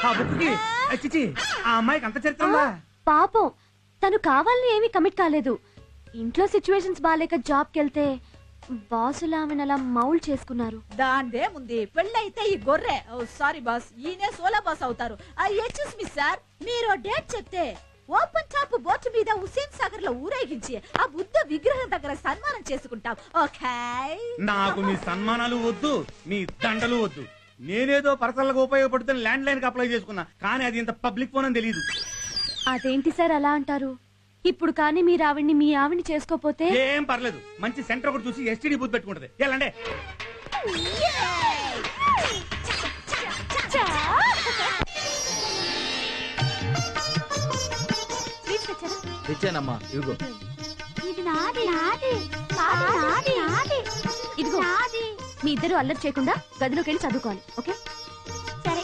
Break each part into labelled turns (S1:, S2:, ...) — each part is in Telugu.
S1: ఆ బుక్కి చిచి ఆ అమ్మాయికి అంత చరిత్ర ఉందా?
S2: పాపం తను కావాలని ఏమీ కమిట్ కాలేదు. ఇంట్లో సిచ్యువేషన్స్ బాలేక జాబ్కి వెళ్తే బాసులు ఆమెను అలా మౌల్డ్ చేసుకున్నారు.
S3: దాందే ముందు పెళ్ళైతే ఈ గొర్రె సారీ బాస్ ఈయనే సోలా బాస్ అవుతారు. ఎక్స్క్యూజ్ మీ సార్, మీరు డేట్ చెప్తే ఓపెన్ టాప్ బోట్ మీద హుసేన్ సాగర్ లో ఊరేగించి ఆ బుద్ధ విగ్రహం దగ్గర సన్మానం చేసుకుంటాం. ఓకే?
S1: నాకు మీ సన్మానాలు వద్దు, మీ దండలు వద్దు. నేనేదో పర్సనల్గా ఉపయోగపడుతున్న ల్యాండ్ లైన్ కి అప్లై చేసుకున్నా, కానీ అది ఇంత పబ్లిక్ ఫోన్ అని తెలియదు.
S2: అదేంటి సార్ అలా అంటారు? ఇప్పుడు కానీ మీరు ఆవిడ్ని మీ ఆవిడ్ని చేసుకోపోతే
S1: ఏం పర్లేదు, మంచి సెంటర్ ఒకటి చూసి ఎస్టీడీ బూత్ పెట్టుకుంటది. వెళ్ళండి.
S4: తెచ్చానమ్మా, ఇదిగో.
S2: ఇదిగో మీ ఇద్దరు అల్లరి చేయకుండా గదిలోకి వెళ్ళి చదువుకోవాలి. ఓకే? సరే.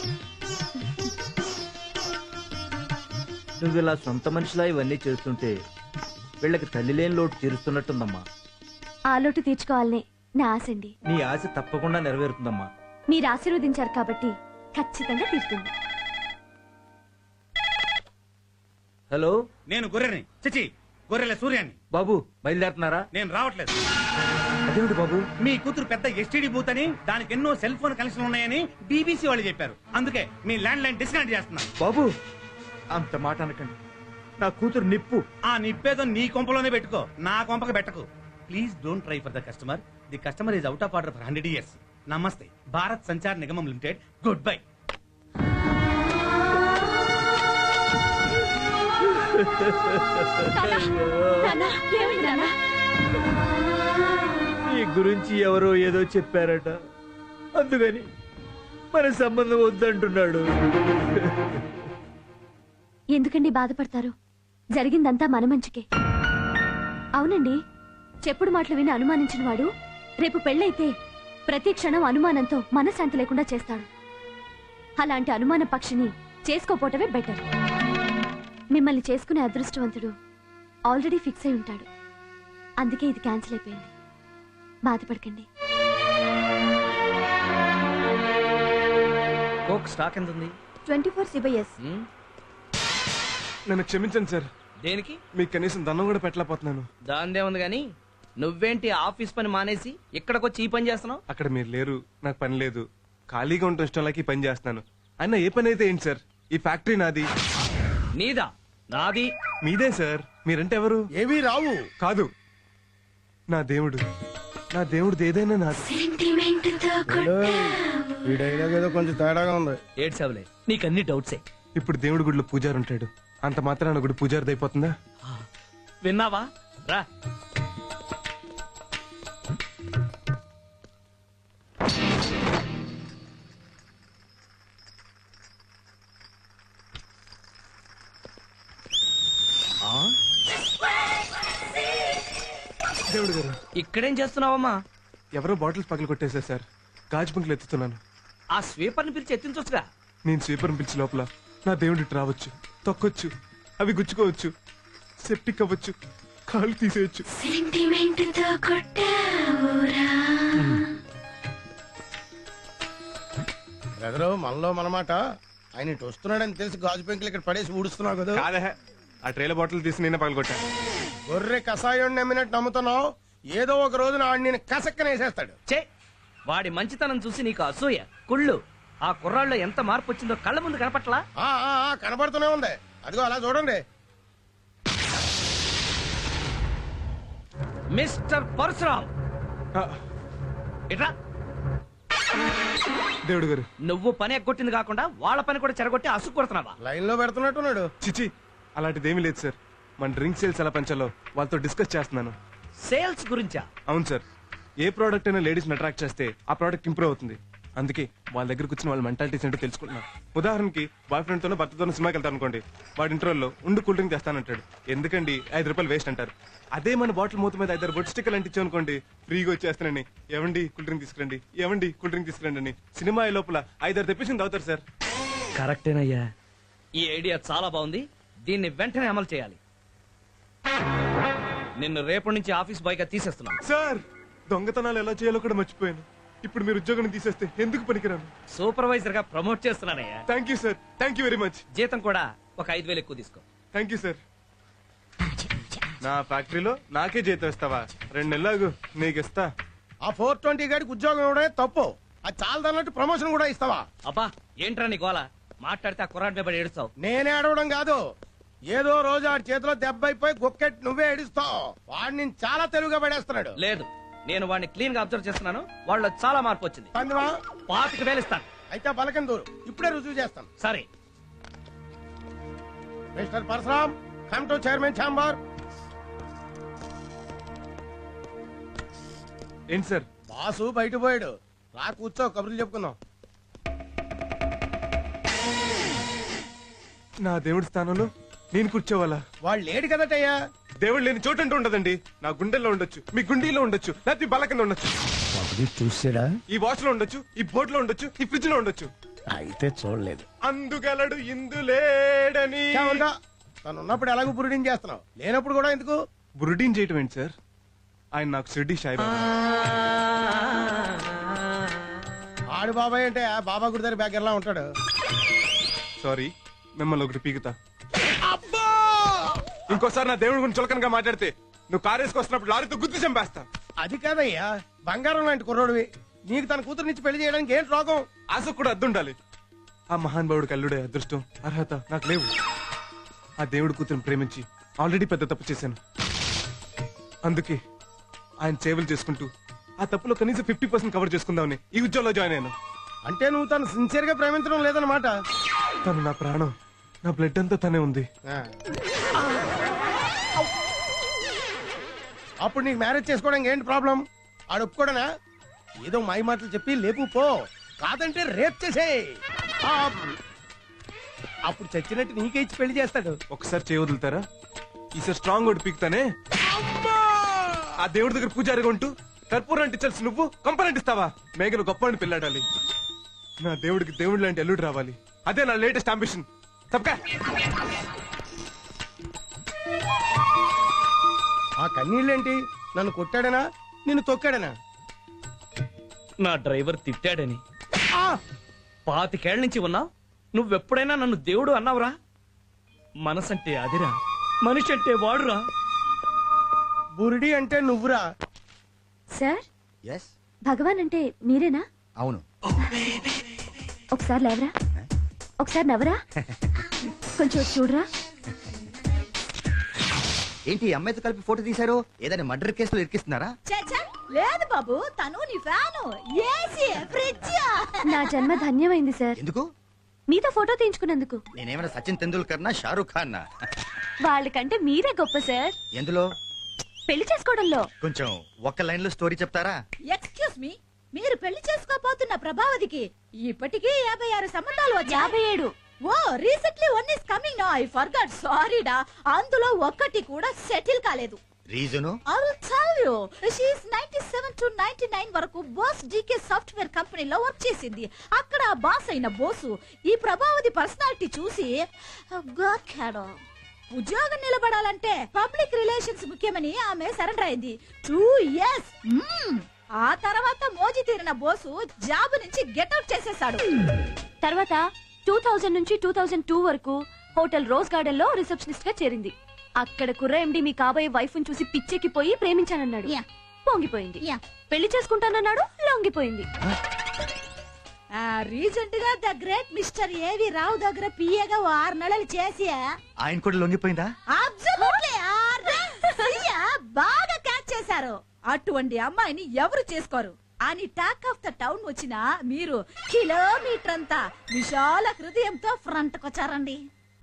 S4: నువ్వు ఇలా సొంత మనిషిలా ఇవన్నీ చేస్తుంటే వీళ్ళకి తల్లి లేని లోటు తీరుస్తున్నట్టుందమ్మా.
S2: ఆ లోటు తీర్చుకోవాలనే నా ఆశ అండి.
S4: నీ ఆశ తప్పకుండా నెరవేరుతుందమ్మా.
S2: మీరు ఆశీర్వదించారు కాబట్టి ఖచ్చితంగా తీరుతుంది.
S4: హలో,
S1: నేను గొర్రెని, చిచి గొర్రెల సూర్యాన్ని.
S4: బాబు బయలుదేరుతున్నారా?
S1: నేను రావట్లేదు.
S4: అదేమిటి బాబు?
S1: మీ కూతురు పెద్ద ఎస్టీడీ బూత్ అని, దానికి ఎన్నో సెల్ ఫోన్ కనెక్షన్ ఉన్నాయని బీబీసీ వాళ్ళు చెప్పారు. అందుకే మీ ల్యాండ్ లైన్ డిస్కనెక్ట్ చేస్తున్నా.
S4: బాబు అంత మాట అనకండి, నా కూతురు నిప్పు.
S1: ఆ నిప్పేదో నీ కొంపలోనే పెట్టుకో, నా కొంపకి పెట్టకు. Please don't try for the customer. The customer is out of order for 100 years. నమస్తే. భారత్ సంచార్ నిగమం లిమిటెడ్. Goodbye.
S4: ఈ గురించి ఎవరో ఏదో చెప్పారట, అందుకని మన సంబంధం వద్దంటున్నాడు.
S2: ఎందుకండి బాధపడతారు? జరిగిందంతా మన మంచికే. అవునండి, చెప్పుడు మాటలు విని అనుమానించిన వాడు రేపు పెళ్ళైతే ప్రతి క్షణం అనుమానంతో మనశ్శాంతి లేకుండా చేస్తాడు. అలాంటి అనుమాన పక్షిని చేసుకోపోవటమే బెటర్. మిమ్మల్ని చేసుకునే అదృష్టవంతుడు ఆల్రెడీ ఫిక్స్ అయి ఉంటాడు. అందుకే ఇది క్యాన్సిల్ అయిపోయింది. బాధపడకండి.
S4: కోక్ స్టాక్ ఎంత ఉంది?
S2: 24 CBS.
S5: నన్ను క్షమించండి సార్.
S4: దేనికి?
S5: మీకు కనీసం దండం కూడా పెట్టలేకపోతున్నాను.
S4: దాందే ఉంది గాని, నువ్వేంటి ఆఫీస్ పని మానేసి ఇక్కడికొచ్చి ఈ పని చేస్తున్నావు?
S5: అక్కడ మీరు లేరు, నాకు పని లేదు. ఖాళీగా ఉండటం ఇష్టం లేక ఈ పని చేస్తున్నాను. అయినా ఏ పని అయితే ఏంటి సార్? ఈ ఫ్యాక్టరీ నాది.
S4: నీదా? నాది.
S5: మీదే సార్. మీరంటే ఎవరు?
S6: ఏమీ రావు.
S5: కాదు, నా దేవుడు. నా దేవుడిది ఏదైనా నాది.
S6: ఈ డైలాగ్ ఏదో కొంచెం తేడాగా ఉంది.
S4: ఏడ్చావులే, నీకన్ని డౌట్సే.
S5: ఇప్పుడు దేవుడి గుడిలో పూజారి ఉంటాడు, అంత మాత్రాన గుడి పూజారిది అయిపోతుందా?
S4: విన్నావా? రా.
S5: దేవుడు గారు,
S4: ఇక్కడేం చేస్తున్నావమ్మా?
S5: ఎవరో బాటిల్స్ పగలు కొట్టేశారు సార్. గాజు బంకులు ఎత్తుతున్నాను.
S4: ఆ స్వీపర్ని పిలిచి ఎత్తించొచ్చుగా.
S5: నేను స్వీపర్ని పిలిచి లోపల నా దేవుడి రావచ్చు, తొక్కొచ్చు, అవి గుచ్చుకోవచ్చు, సెప్టిక్ అవ్వచ్చు, కాళ్ళు తీసేయచ్చు.
S6: బ్రదరు, మనలో మనమాట. ఆయన ఇటు వస్తున్నాడని తెలిసి గాజు పెంకులు ఇక్కడ పడేసి ఊడుస్తున్నావు కదా.
S5: కాదే, ఆ ట్రేల బాటిల్ తీసి నేనే పగలగొట్టా.
S6: గొర్రె కషాయం నమ్మినట్టు నమ్ముతున్నావు. ఏదో ఒక రోజు ఆడు నేను కసక్కనేసేస్తాడు.
S4: చే, వాడి మంచితనం చూసి నీకు అసూయ, కుళ్ళు. ఆ కుర్రాళ్ళలో ఎంత మార్పు వచ్చిందో కళ్ళ ముందు కనపట్లా?
S6: కనబడుతూనే ఉంది. అదిగో అలా చూడండి.
S4: మిస్టర్ పరశురామ్, ఇట్రా.
S5: దేవుడు గారు,
S4: నువ్వు పని ఎగ్గొట్టింది కాకుండా వాళ్ళ పని కూడా చెరగొట్టి అసుకు కొడుతున్నావా?
S6: లైన్ లో పెడుతున్నట్టున్నాడు.
S5: చిచి, అలాంటిదేమీ లేదు సార్. మన డ్రింక్ సేల్స్ ఎలా పెంచాలో వాళ్ళతో డిస్కస్ చేస్తున్నాను.
S4: సేల్స్ గురించా?
S5: అవును సార్. ఏ ప్రోడక్ట్ అయినా లేడీస్ అట్రాక్ట్ చేస్తే ఆ ప్రోడక్ట్ ఇంప్రూవ్ అవుతుంది. అందుకే వాళ్ళ దగ్గరకు వచ్చిన వాళ్ళ మెంటాలిటీస్ ఏంటో తెలుసుకుంటున్నాను. ఉదాహరణకి బాయ్ ఫ్రెండ్ తోనో భర్తతోనో సినిమాకి వెళ్తాను అనుకోండి, వాడి ఇంటర్వెల్లో ఉండు కూల్ డ్రింక్ తెస్తానంటాడు. ఎందుకండి, ₹5 వేస్ట్ అంటారు. అదే మన బాటిల్ మూత మీద 5 బొట్ స్టిక్కర్లు అంటించాం అనుకోండి, ఫ్రీగా వచ్చేస్తానని ఏమండి కూల్ డ్రింక్ తీసుకురండి, ఏమండి కూల్ డ్రింక్ తీసుకురండి అని సినిమా లోపల 5 తెప్పించింది అవుతారు సార్.
S4: కరెక్టేనయ్యా, ఈ ఐడియా చాలా బాగుంది. దీన్ని వెంటనే అమలు చేయాలి. నిన్ను రేపటి నుంచి ఆఫీస్ బాయ్ గా తీసేస్తున్నాను.
S5: సార్, దొంగతనాలు ఎలా చేయాలో కూడా మర్చిపోయాను. ఇప్పుడు మీరు ఉద్యోగం తీసేస్తే ఎందుకు పనికిరాను?
S7: సూపర్వైజర్ గా ప్రమోట్ చేస్తున్నానయ్యా.
S5: Thank you sir, thank you very much.
S7: జీతం కూడా ఒక 5,000 ఎక్కువ తీసుకో.
S5: Thank you sir. నా ఫ్యాక్టరీలో నాకే జీతం ఇస్తావా? 2 నెలలు నీకు ఇస్తా.
S6: ఆ 420 గాడికి ఉద్యోగం ఇవ్వడమే తప్పు. అది చాలదన్నట్టు ప్రమోషన్ కూడా ఇస్తావా?
S7: అబ్బా ఏంట్రా నీ గోల? మాట్లాడితే ఆ కుర్రాడి మీద పడి ఏడుస్తావు.
S6: నేనే అడవడం కాదు, ఏదో రోజు ఆడి చేతిలో దెబ్బ అయిపోయి గొక్కెట్ నువ్వే ఏడుస్తావు. వాడిని నేను చాలా తెలుగుగా పడేస్తున్నాడు.
S7: లేదు, నేను వాడిని క్లీన్ గా అబ్జర్వ్ చేస్తున్నాను. వాళ్ళలో చాలా మార్పు వచ్చింది.
S6: పందివా
S7: 25,000 ఇస్తాను.
S6: అయితే బలకం దూరు, ఇప్పుడే రుజువు చేస్తాను.
S7: సరే.
S6: Mister Parashuram, come to chairman chamber.
S5: ఏంటి సార్?
S6: బాసు బయట పోయాడు, రా కూర్చో, కబుర్లు చెప్పుకుందాం.
S5: నా దేవుడి స్థానంలో నేను కూర్చోవాలా?
S6: వాళ్ళు లేడు కదటయ్యా.
S5: దేవుడు లేని చోటు అంటూ ఉండదండి. నా గుండెల్లో ఉండొచ్చు, మీ గుండీలో ఉండొచ్చు, లేకపోతే ఈ బల్ల కింద ఉండొచ్చు,
S6: చూసాడా?
S5: ఈ వాచ్ లో ఉండొచ్చు, ఈ బోట్ లో ఉండొచ్చు, ఈ ఫ్రిడ్జ్ లో ఉండొచ్చు.
S6: అయితే చూడలేదు.
S5: అందుగలడు ఇందులేడని.
S6: తను ఉన్నప్పుడు ఎలాగో బురుడిని చేస్తున్నావు, లేనప్పుడు కూడా ఎందుకు?
S5: బురుడీన్ చేయటం ఏంటి సార్? ఆయన నాకు షిర్డీ సాయిబాబా.
S6: ఆడు బాబాయ్ అంటే ఆ బాబా గుడి దగ్గర బ్యాగర్లా ఉంటాడు.
S5: సారీ, మిమ్మల్ని ఒకటి పీకుతా. ఇంకోసారి నా దేవుడి గురించి చులకనగా మాట్లాడితే నువ్వు కారు వేసుకొస్తున్నప్పుడు లారీతో గుర్తు చంపేస్తా.
S6: అది కాదయ్యా, బంగారం లాంటి కుర్రోడివి, నీకు తన కూతురు నుంచి పెళ్లి చేయడానికి ఏంటి రోగం?
S5: ఆశకు కూడా అద్దుండాలి. ఆ మహానుభావుడికి అల్లుడే అదృష్టం, అర్హత నాకు లేవు. ఆ దేవుడి కూతురుని ప్రేమించి ఆల్రెడీ పెద్ద తప్పు చేశాను. అందుకే ఆయన సేవలు చేసుకుంటూ ఆ తప్పులో కనీసం 50% కవర్ చేసుకుందామని ఈ ఉద్యోగంలో జాయిన్ అయ్యాను.
S6: అంటే నువ్వు తను సిన్సియర్ గా ప్రేమించడం లేదన్నమాట.
S5: తను నా ప్రాణం, నా బ్లడ్ అంతా తనే ఉంది.
S6: అప్పుడు నీకు మ్యారేజ్ చేసుకోవడానికి ఏంటి ప్రాబ్లం? ఆడు ఒప్పుకోడనా? ఏదో మాయ మాటలు చెప్పి లేపు పో, కాదంటే రేప్ చేసే. అప్పుడు చచ్చినట్టు నీకే ఇచ్చి పెళ్లి చేస్తాడు.
S5: ఒకసారి చేయ వదులుతారా? ఈసారి స్ట్రాంగ్ ఒకటి పీకుతానే. ఆ దేవుడి దగ్గర పూజారిగా ఉంటూ కర్పూరం అంటించాల్సి నువ్వు కంపని ఇస్తావా? మేఘలు గొప్పని పెళ్ళాడాలి. నా దేవుడికి దేవుడి లాంటి అల్లుడు రావాలి. అదే నా లేటెస్ట్ అంబిషన్. తప్పకా
S6: ఆ కన్నీళ్ళేంటి? నన్ను కొట్టాడనా, నిన్ను తొక్కాడనా?
S7: నా డ్రైవర్ తిట్టాడని. 25 ఏళ్ల నుంచి ఉన్నావు, నువ్వెప్పుడైనా నన్ను దేవుడు అన్నావురా? మనసంటే అదిరా, మనిషి అంటే వాడురా.
S6: బురిడి అంటే నువ్వురా.
S2: సార్,
S8: ఎస్,
S2: భగవాన్ అంటే మీరేనా?
S8: అవును.
S2: ఒకసారి లేవరా, ఒకసారి నవ్వరా, కొంచెం వచ్చి చూడరా.
S8: ఏంటి ఈ అమ్మాయితో కలిపి ఫోటో తీశారు? ఏదైనా మర్డర్ కేసులో ఇరికిస్తున్నారా?
S3: చచ్చా, లేదు బాబు, తను నీ ఫ్యాను, ఏసీ, ఫ్రిడ్జ్.
S2: నా జన్మ ధన్యమైంది సార్,
S8: ఎందుకు?
S2: మీతో ఫోటో తీయించుకున్నందుకు.
S8: నేనేమైనా సచిన్ తెందూల్కర్ నా షారూక్ ఖాన్ నా?
S2: వాళ్ళకంటే మీరే గొప్ప సార్.
S8: ఎందులో?
S2: పెళ్లి చేసుకోవడంలో.
S8: కొంచెం ఒక్క లైన్ లో స్టోరీ చెప్తారా?
S3: ఎక్స్క్యూజ్ మీ, మీరు పెళ్లి చేసుకోబోతున్న ప్రభావతికి ఇప్పటికీ 56 సంబంధాలు వచ్చాయి.
S2: 57.
S3: ఓ, recently one is coming now. I forgot, సారీడా. అందులో ఒక్కటి కూడా సెటిల్ కాలేదు.
S8: Reason?
S3: I will tell you. She is 97 to 99 వరకు బాస్ డీకే సాఫ్ట్వేర్ కంపెనీలో వర్క్ చేసింది. అక్కడ బాస్ అయిన బోసు ఈ ప్రభావతి పర్సనాలిటీ చూసి గోకాడు. ఉద్యోగం నిలబడాలంటే పబ్లిక్ రిలేషన్స్ ముఖ్యమని ఆమె సరెండర్ అయింది. 2 years. ఆ తర్వాత మోజీ తీరిన బోసు జాబ్ నుంచి గెట్అవుట్ చేసేశాడు.
S2: తర్వాత 2000 నుంచి 2002 వరకు హోటల్ రోజ్ గార్డెన్ లో రిసెప్షనిస్ట్ గా చేరింది. అక్కడ కుర్ర ఎండి మీ కాబోయే వైఫ్ ని చూసి పిచ్చెక్కిపోయి ప్రేమించానన్నాడు. పొంగిపోయింది. పెళ్లి చేసుకుంటానన్నాడు, లొంగిపోయింది.
S3: రీసెంట్ గా the great mister AV Rao దగ్గర పిఏగా 6 నెలలు చేసి
S8: ఆయన కూడా లొంగిపోయిందా?
S3: అబ్సల్యూట్లీ బాగా క్యాచ్ చేశారు. అటువంటి అమ్మాయిని ఎవరు చేసుకోరు అని టాక్ ఆఫ్ ద టౌన్ వచ్చిన మీరు కిలోమీటర్ అంతా విశాల హృదయంతో ఫ్రంట్ కొచ్చారండి.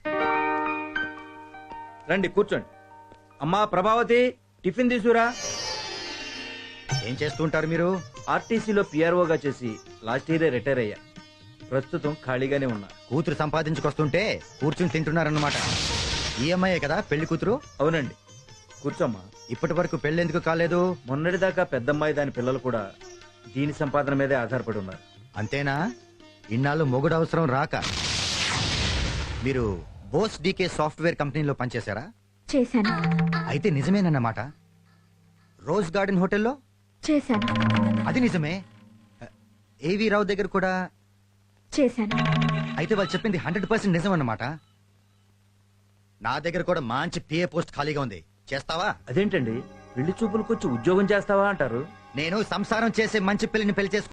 S4: రండి కూర్చోండి. అమ్మా ప్రభావతి, టిఫిన్ తీసుకురా.
S8: ఏం చేస్తుంటారు మీరు?
S4: ఆర్టీసీలో పిఆర్ఓగా చేసి లాస్ట్ ఇయర్ రిటైర్ అయ్యా. ప్రస్తుతం ఖాళీగానే ఉన్నా.
S8: కూతురు సంపాదించుకొస్తుంటే కూర్చుని తింటున్నారన్నమాట. ఈఎంఐ కదా పెళ్లి కూతురు?
S4: అవునండి. కూర్చోమ్మా.
S8: ఇప్పటి వరకు పెళ్లి ఎందుకు కాలేదు?
S4: మొన్నటిదాకా పెద్దమ్మాయి దాని పిల్లలు కూడా దీని సంపాదన మీదే ఆధారపడి ఉన్నారు.
S8: అంతేనా? ఇన్నాళ్ళు మొగుడు అవసరం రాక మీరు బోస్ డీకే సాఫ్ట్వేర్ కంపెనీలో పనిచేశారా?
S2: చేశాను.
S8: అయితే నిజమేనన్నమాట. రోజ్ గార్డెన్ హోటల్లో?
S2: చేశాను.
S8: అది నిజమే. ఏవి రావు దగ్గర కూడా
S2: చేశాను.
S8: అయితే వాళ్ళు చెప్పింది 100% నిజం అన్నమాట. నా దగ్గర కూడా మంచి పిఏ పోస్ట్ ఖాళీగా ఉంది, చేస్తావా?
S4: అదేంటండి పెళ్లి చూపులకు వచ్చి ఉద్యోగం చేస్తావా అంటారు?
S8: నేను సంసారం చేసే మంచి పిల్లని పెళ్లి చేసుకుంటాను.